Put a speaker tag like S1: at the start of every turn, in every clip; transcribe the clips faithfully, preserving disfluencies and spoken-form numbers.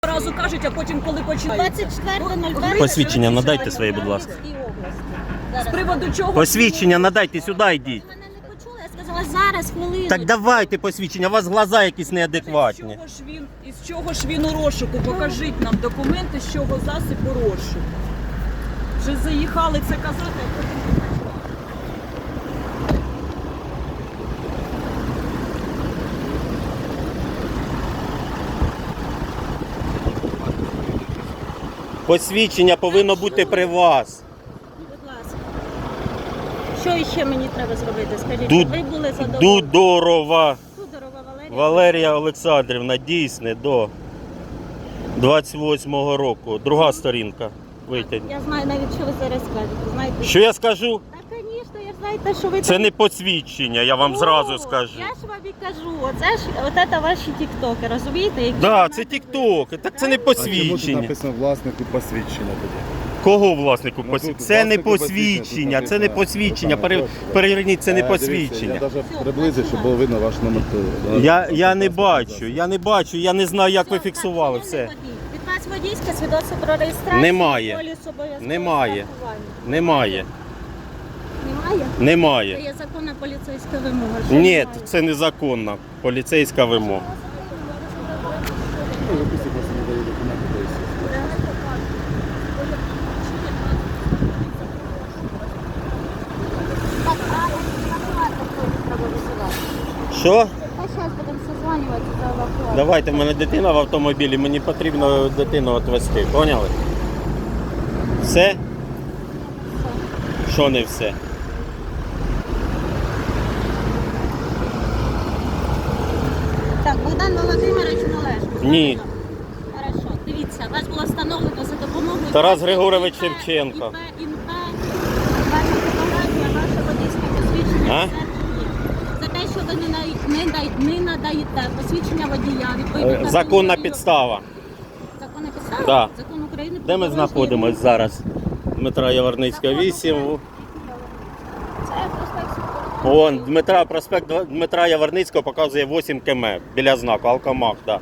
S1: Разу кажуть, а потім коли починають.
S2: двадцять четвертого нуль першого
S3: Посвідчення надайте своє, будь ласка.
S1: З приводу чого?
S3: Посвідчення надайте, сюди йдіть.
S2: Мене не почули, я сказала зараз, хвилину.
S3: Так давайте посвідчення, у вас глаза якісь
S1: З
S3: неадекватні.
S1: чого ж він, із чого ж він у розшуку? Покажіть нам документи, з чого засіб у розшуку. Вже заїхали це казати, а потім...
S3: Посвідчення повинно бути при вас.
S2: Будь ласка. Що ще мені треба зробити? Скажіть,
S3: Ду-
S2: ви були задоволені?
S3: Дудорова
S2: Дудорова Валерія.
S3: Валерія Олександрівна, дійсне, до двадцять восьмого року. Друга сторінка. Витягніть.
S2: Я знаю навіть, що ви зараз скажете. Знаєте?
S3: Що я скажу?
S2: Так, звісно, я знаєте, що ви...
S3: Це
S2: там-
S3: не посвідчення, я вам
S2: О,
S3: зразу скажу.
S2: Я ж вам і кажу, оце ж, от це ваші тіктоки, розумієте? Які
S3: Да,
S2: ви
S3: це
S2: нам-
S3: тік-ток, так це не
S4: А чому тут
S3: посвідчення.
S4: написано власнику посвідчення тоді?
S3: Кого власнику
S4: Ну,
S3: посвідчення?
S4: тут
S3: Це не
S4: власнику посвідчення,
S3: посвідчення,
S4: тут
S3: це не
S4: написано.
S3: посвідчення.
S4: Ну,
S3: Пере-
S4: там,
S3: Переверніть, це не
S4: Е, дивіться,
S3: посвідчення.
S4: Я навіть приблизив, щоб було видно ваш номер.
S3: Я, я не бачу, я не бачу, я не знаю, як ви
S2: Все,
S3: фіксували
S2: так,
S3: все.
S2: шановний водій, від вас водійське свідоцтво про реєстрацію.
S3: Немає.
S2: поліс обов'язкового
S3: Немає.
S2: страхування.
S3: Немає,
S2: Немає? Це
S3: немає.
S2: є законна поліцейська вимога. Що
S3: Ні,
S2: немає?
S3: це незаконна поліцейська вимога.
S2: Так, а евакуатор треба висувати.
S3: Що?
S2: Та зараз будемо созванюватися за евакуатор.
S3: Давайте, в мене дитина в автомобілі, мені потрібно дитину відвезти. Поняли? Все? Що не все?
S2: Так, Богдан Володимирович Належко.
S3: Ні.
S2: Хорошо. Дивіться, вас було встановлено за допомогою...
S3: Тарас Григорович
S2: ІП,
S3: Шевченко.
S2: ІП, ІНП, ваша фотографія, ваше водійське посвідчення.
S3: А?
S2: все є. За те, що ви не, на- не, дай- не надаєте посвідчення водія, відповідно...
S3: Е,
S2: закону
S3: Законна
S2: України-
S3: підстава.
S2: Законна підстава?
S3: Да.
S2: Закон України про
S3: Де ми
S2: дорожній
S3: знаходимось
S2: рух.
S3: зараз? Дмитра Яворницького, вісім.
S2: Це проспект Свободи.
S3: Вон, Дмитра, проспект Дв- Дмитра Яворницького показує вісім кілометрів біля знаку, Алкомах, так.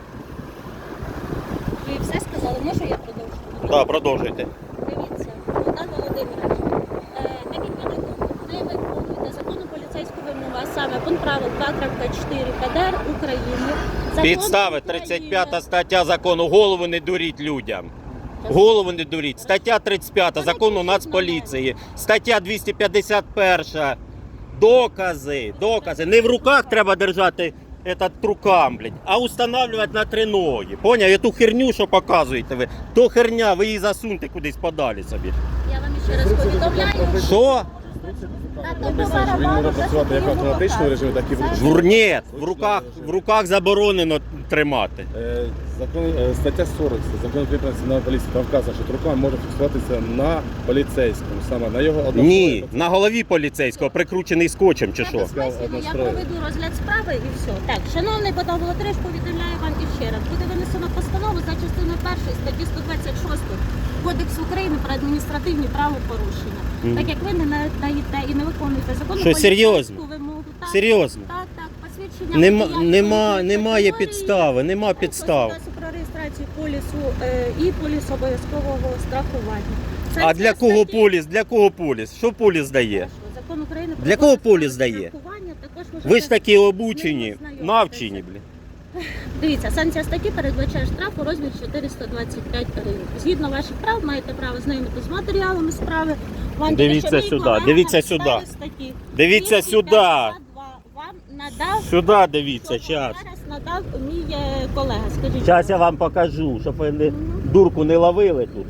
S2: Ви все сказали, можу я продовжу?
S3: Да. Да, продовжуйте.
S2: Дивіться, Богдан Володимирович, е, так як ви не виконуєте законну поліцейську вимогу, а саме пункт правил два крапка чотири П Д Р України. Закон
S3: Підстави
S2: України-
S3: тридцять п'ята стаття закону. Голову не дуріть людям. Голову не дуріть. Стаття тридцять п'ята закону Нацполіції. Стаття двісті п'ятдесят перша. Докази, докази. Не в руках треба держати этот трукам, блядь, а устанавливати на три ноги. Поняв? І ту херню, що показуєте ви, то херня, ви її засуньте кудись подалі собі.
S2: Я вам ще раз повідомляю.
S3: Що?
S2: Та
S4: Написано, що він може працювати як в автоматичному режимі, так і в ручному.
S3: Жур, ні, в руках, в руках заборонено тримати.
S4: Е, Закон, е, стаття сорок, закон України про національну поліцію, там вказано, що труками може фіксуватися на поліцейському, саме на його одному.
S3: Ні, на голові поліцейського прикручений скотчем чи що?
S2: Я проведу розгляд справи і все. Так, шановний Богдан Володимирович, повідомляю вам і ще раз. Буде винесено постанову за частиною першої статті сто двадцять шість Кодексу України про адміністративні правопорушення.
S3: Мгм.
S2: Так як ви не надаєте і не виконуєте законну
S3: Що, серйозно?
S2: поліцейську вимогу. Так,
S3: Серйозно?
S2: Так, так, посвідчення
S3: Нема,
S2: водія
S3: нема,
S2: відповідної
S3: немає
S2: категорії,
S3: підстави, нема
S2: також
S3: підстав.
S2: свідоцтво про реєстрацію полісу е, і поліс обов'язкового страхування. Це
S3: А
S2: ці
S3: для кого
S2: статті-
S3: поліс? Для кого поліс? Що поліс дає?
S2: Хорошо. Закон України про
S3: Для кого
S2: обов'язкове
S3: поліс дає?
S2: страхування також можете-
S3: Ви ж такі обучені,
S2: З ним ознайомитися.
S3: навчені, блін.
S2: Дивіться, санкція статті передбачає штраф у розмірі чотириста двадцять п'ять гривень. Згідно ваших прав, маєте право знайомити з матеріалами справи. Вам
S3: Дивіться
S2: тільки що мій
S3: сюди,
S2: колега
S3: дивіться
S2: на
S3: сюди.
S2: підставі статті
S3: Дивіться
S2: двісті
S3: сюди.
S2: п'ятдесят два вам надав,
S3: Сюди дивіться,
S2: що
S3: час.
S2: зараз надав мій е, колега. Скажіть.
S3: Зараз я вам покажу, щоб ви не, дурку не ловили тут.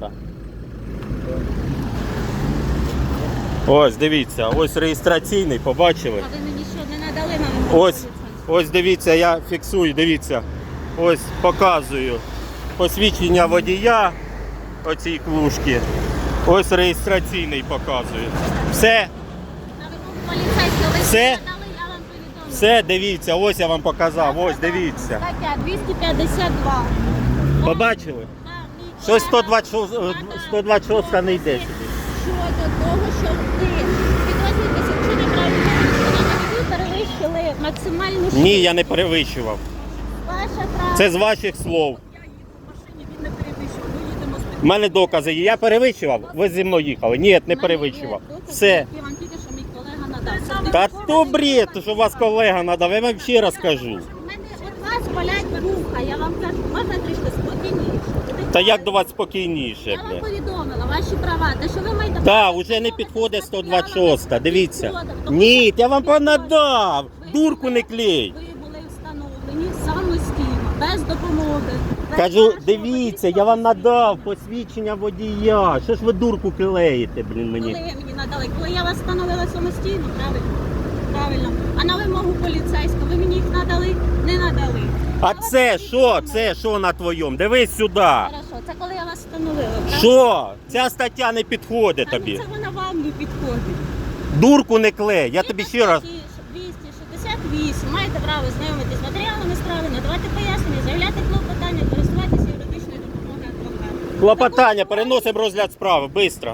S3: Ось, дивіться, ось реєстраційний, побачили?
S2: А ви мені що не надали нам?
S3: Ось, ось дивіться, я фіксую, дивіться. Ось показую посвідчення водія оцій клушки. Ось реєстраційний показую. Все,
S2: На вимогу поліцейського ви
S3: Все?
S2: надали, я вам повідомлю.
S3: все, дивіться, ось я вам показав, ось дивіться.
S2: Стаття двісті п'ятдесят два.
S3: Побачили?
S2: Да, мій
S3: Щось
S2: колега
S3: сто двадцять шість,
S2: надав
S3: сто двадцять шість не йде сюди.
S2: щодо того, що ви підрозділите вчинення правопорушення, ви перевищили максимальну швидкість.
S3: Ні, я не перевищував.
S2: Ваше право.
S3: Це з ваших слов.
S1: Я їду в машині, він не
S3: У мене докази є. Я перевищував? Ви зі мною їхали? Ні, не перевищував. Все.
S2: Я вам тільки, що мій колега надав.
S3: Та то бред, що у вас колега надав, я вам ще раз кажу.
S2: У мене від вас болять вуха, я вам кажу, можна трішки спокійніше.
S3: Та як до вас спокійніше,
S2: Я вам
S3: бля.
S2: повідомила ваші права, те, що ви маєте...
S3: Та, уже не підходить сто двадцять шість, дивіться. Ні, я вам понадав. Дурку не клей.
S2: Ви були встановлені самостійно, без допомоги. без
S3: Кажу,
S2: вашого
S3: дивіться, я
S2: водійського
S3: вам надав посвідчення водія. Що ж ви дурку клеїте, блін,
S2: Коли
S3: мені?
S2: ви мені надали, коли я вас встановила самостійно, правильно? Правильно. А на вимогу поліцейського ви мені їх надали? Не надали.
S3: А це що? Це що на твоєму? Дивись сюди.
S2: Хорошо, це коли я вас встановила, правда?
S3: Що? Ця стаття не підходить
S2: Та ну,
S3: тобі.
S2: Це вона вам не підходить.
S3: Дурку не клей. Я тобі ще раз.
S2: двісті шістдесят вісім. Маєте право знайомитись з матеріалами справи, надавати пояснення, заявляти клопотання, користуватися юридичною допомогою адвоката.
S3: Клопотання, переносимо розгляд справи. Бистро.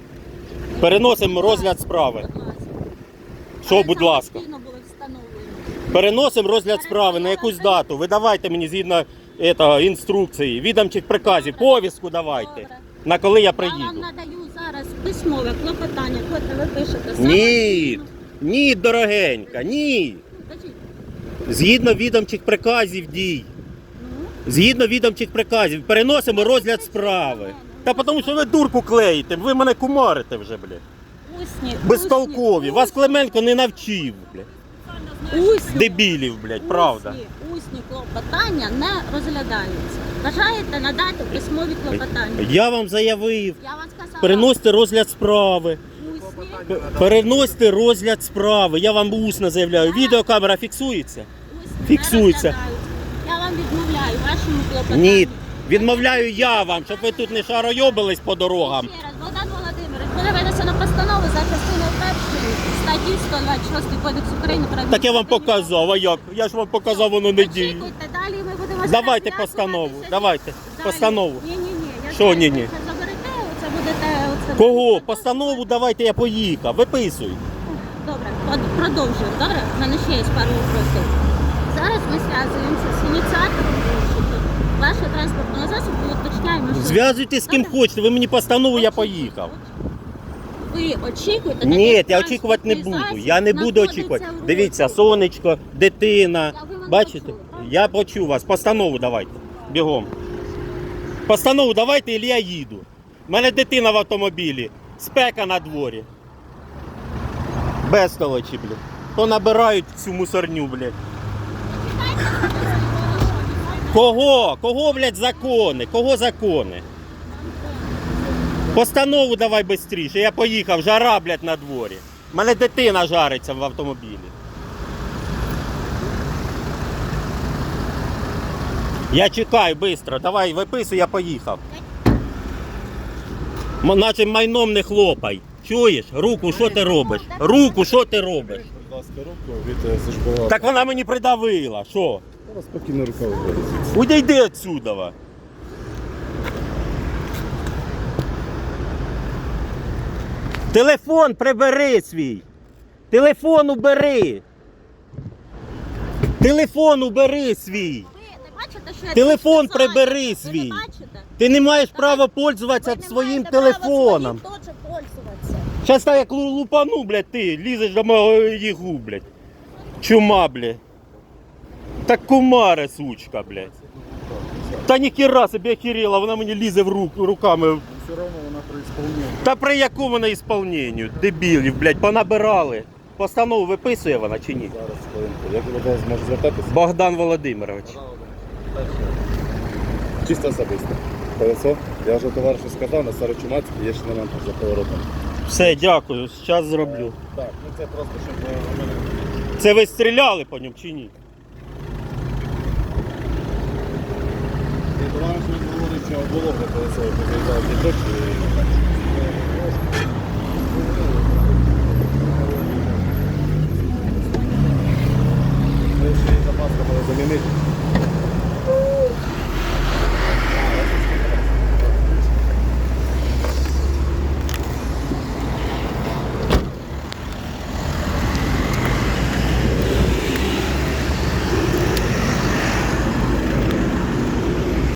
S3: Переносимо розгляд справи.
S2: Будь ласка.
S3: Що,
S2: Але
S3: будь ласка?
S2: самостійно були встановлені.
S3: Переносимо розгляд справи на якусь дату. Ви давайте мені згідно этого, інструкції, відомчих приказів, повістку давайте.
S2: Добре.
S3: На коли я
S2: Я вам
S3: приїду.
S2: надаю зараз письмове клопотання, котре ви пишете
S3: Ні,
S2: самостійно.
S3: ні, дорогенька, ні.
S2: Кажіть.
S3: Згідно відомчих приказів дій.
S2: Ну,
S3: Згідно відомчих приказів, переносимо розгляд справи. Та тому що ви дурку клеїте, ви мене кумарите вже, блядь.
S2: усні,
S3: Безтолкові.
S2: усні,
S3: Вас Клименко не навчив, блядь.
S2: усні,
S3: Дебілів, блядь, правда.
S2: Усні, усні клопотання не розглядаються. Бажаєте надати письмові клопотання?
S3: Я вам заявив.
S2: Я вам сказала,
S3: Переносьте розгляд справи.
S2: усні,
S3: П- Переносьте розгляд справи. Я вам усно заявляю. Відеокамера фіксується?
S2: усні
S3: Фіксується.
S2: не розглядаються. Я вам відмовляю вашому клопотанню.
S3: Ні. Відмовляю я вам, щоб ви тут не шаройобились по дорогам.
S2: Ще раз, Богдан Володимирович, буде винесено постанову за частиною першої статті сто двадцять шість Кодексу України про
S3: Так я вам
S2: адміністративні
S3: показав, а як? Я ж вам показав, воно не діє.
S2: Очікуйте, далі ми будемо
S3: Давайте
S2: зараз
S3: постанову,
S2: зв'язуватися.
S3: давайте,
S2: Далі.
S3: постанову.
S2: Ні, ні, ні. Я
S3: Що
S2: знаю,
S3: ні-ні?
S2: ви це заберете, оце будете... Оце
S3: Кого?
S2: будете-
S3: Постанову давайте, я поїхав. Виписуй.
S2: Добре, под- продовжуємо. Добре? У мене ще є пару вопросів. Зараз ми зв'язуємося з ініціатором розшуку вашого транспортного засобу і уточняємо, що...
S3: Зв'язуйтесь з ким
S2: Добре?
S3: хочете, ви мені постанову, я
S2: Очікуйте,
S3: поїхав.
S2: Ви очікуєте?
S3: Ні,
S2: такий
S3: я очікувати не
S2: транспортний
S3: буду.
S2: засіб
S3: Я не буду
S2: знаходиться
S3: очікувати.
S2: в руху.
S3: Дивіться, сонечко, дитина.
S2: Я- ви мене
S3: Бачите?
S2: почули, правда?
S3: Я почув вас. Постанову давайте. Бігом. Постанову давайте, і я їду. У мене дитина в автомобілі. Спека на дворі. Безтолочі, блядь. То набирають всю мусорню, блядь. Кого? Кого, блядь, закони? Кого закони? Постанову давай швидше. Я поїхав, жара, блядь, на дворі. У мене дитина жариться в автомобілі. Я чекаю, швидко. Давай, виписуй, я поїхав. М- Наче майном не хлопай. Чуєш? Руку, що ти робиш? Руку, що ти робиш?
S4: Будь ласка, руку від е, службового.
S3: Так вона мені придавила. Що?
S4: Зараз спокійно рука виходить.
S3: Уйди отсюда. ва. Телефон прибери свій. Телефон убери. Телефон убери свій.
S2: Ви не бачите, що я
S3: Телефон
S2: тут сказала?
S3: прибери
S2: Ви
S3: свій.
S2: не бачите?
S3: Ти не маєш права
S2: Ви
S3: пользуватися
S2: не
S3: своїм
S2: маєте права
S3: телефоном.
S2: своїм теж пользуватися.
S3: Зараз так як лу- лупану, блядь, ти лізеш до мого ягу, блядь. Чума, блядь. Так кумаре, сучка, блядь. Та ніхіра собі охерела, вона мені лізе в руку руками.
S4: Все одно вона при ісполненні.
S3: Та при якому на ісполненню? Дебілів, блядь, понабирали. Постанову виписує вона чи ні?
S4: Зараз, хвилинку. Як ви до вас можете звертатися?
S3: Богдан Володимирович.
S4: Чисто особисто. Колесо. Я вже товаришу сказав, на Старочумацькій є ще момент за поворотом.
S3: Все, дякую, зараз зроблю.
S4: Так, ну це просто, щоб е, у мене...
S3: Це ви стріляли по ньому чи ні?
S4: І товариш мені говорить, що було вже колесо, як виїжджав ті точки. Ще й запаска була замінити.